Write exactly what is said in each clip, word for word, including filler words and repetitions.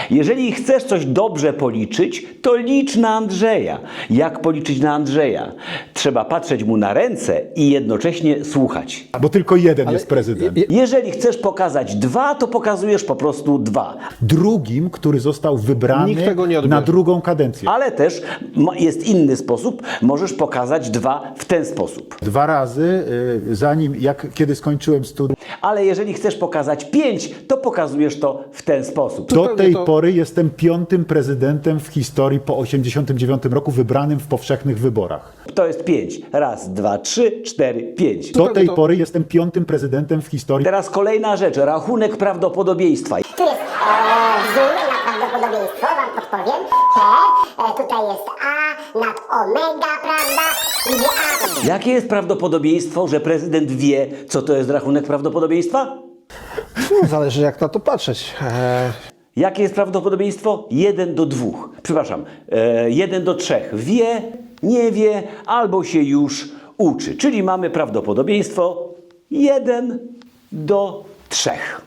Jeżeli chcesz coś dobrze policzyć, to licz na Andrzeja. Jak policzyć na Andrzeja? Trzeba patrzeć mu na ręce i jednocześnie słuchać. Bo tylko jeden jest prezydent. Jeżeli chcesz pokazać dwa, to pokazujesz po prostu dwa. Drugim, który został wybrany Nikt tego nie odbierze. na drugą kadencję. Ale też ma- jest inny sposób. Możesz pokazać dwa w ten sposób. Dwa razy, y, zanim, jak kiedy skończyłem studia, Ale jeżeli chcesz pokazać pięć, to pokazujesz to w ten sposób. do Zupełnie tej to- pory jestem piątym prezydentem w historii po osiemdziesiątym dziewiątym roku wybranym w powszechnych wyborach. To jest pięć. Raz, dwa, trzy, cztery, pięć. Do Zupełnie tej to- pory jestem piątym prezydentem w historii. Teraz kolejna rzecz. Rachunek prawdopodobieństwa. Tu jest e, wzór na prawdopodobieństwo, wam podpowiem. Te, e, tutaj jest A nad omega, prawda? Gdzie A to Jakie jest prawdopodobieństwo, że prezydent wie, co to jest rachunek prawdopodobieństwa? No, zależy jak na to patrzeć. E, Jakie jest prawdopodobieństwo? jeden do dwóch. Przepraszam, e, jeden do trzech. Wie, nie wie, albo się już uczy. Czyli mamy prawdopodobieństwo jeden do trzech.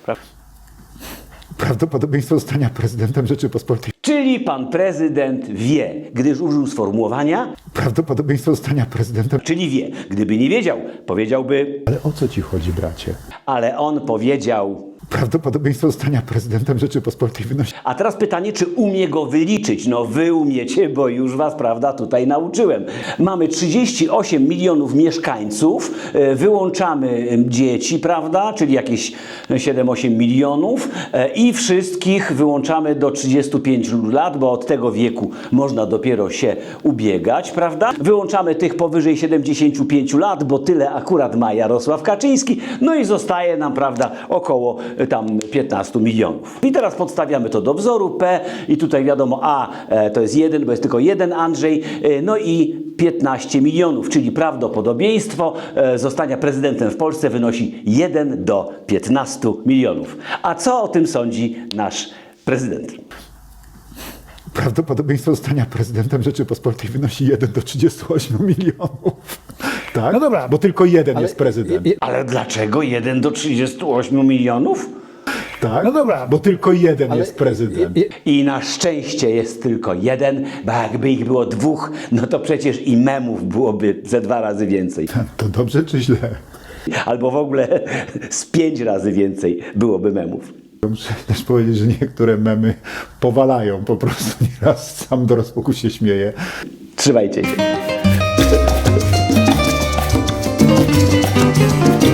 Prawdopodobieństwo zostania prezydentem Rzeczypospolitej. Czyli pan prezydent wie, gdyż użył sformułowania, Prawdopodobieństwo zostania prezydentem. czyli wie. Gdyby nie wiedział, powiedziałby, Ale o co ci chodzi, bracie? ale on powiedział. Prawdopodobieństwo zostania prezydentem Rzeczypospolitej wynosi. A teraz pytanie, czy umie go wyliczyć? No wy umiecie, bo już was, prawda, tutaj nauczyłem. Mamy trzydzieści osiem milionów mieszkańców, e, wyłączamy em, dzieci, prawda, czyli jakieś siedem osiem milionów e, i wszystkich wyłączamy do trzydziestu pięciu lat, bo od tego wieku można dopiero się ubiegać, prawda? Wyłączamy tych powyżej siedemdziesięciu pięciu lat, bo tyle akurat ma Jarosław Kaczyński, no i zostaje nam, prawda, około e, tam piętnastu milionów. I teraz podstawiamy to do wzoru P i tutaj wiadomo A e, to jest jeden, bo jest tylko jeden Andrzej, e, no i piętnaście milionów, czyli prawdopodobieństwo e, zostania prezydentem w Polsce wynosi jeden do piętnastu milionów. A co o tym sądzi nasz prezydent? Prawdopodobieństwo zostania prezydentem Rzeczypospolitej wynosi jeden do trzydziestu ośmiu milionów. Tak? No dobra. Bo tylko jeden ale- jest prezydent. i- i- Ale dlaczego jeden do trzydziestu ośmiu milionów? Tak? No dobra. Bo tylko jeden ale- jest prezydent. i- i- I na szczęście jest tylko jeden, bo jakby ich było dwóch, no to przecież i memów byłoby ze dwa razy więcej. To dobrze czy źle? Albo w ogóle z pięć razy więcej byłoby memów. Muszę też powiedzieć, że niektóre memy powalają po prostu. Nieraz sam do rozpuku się śmieję. Trzymajcie się.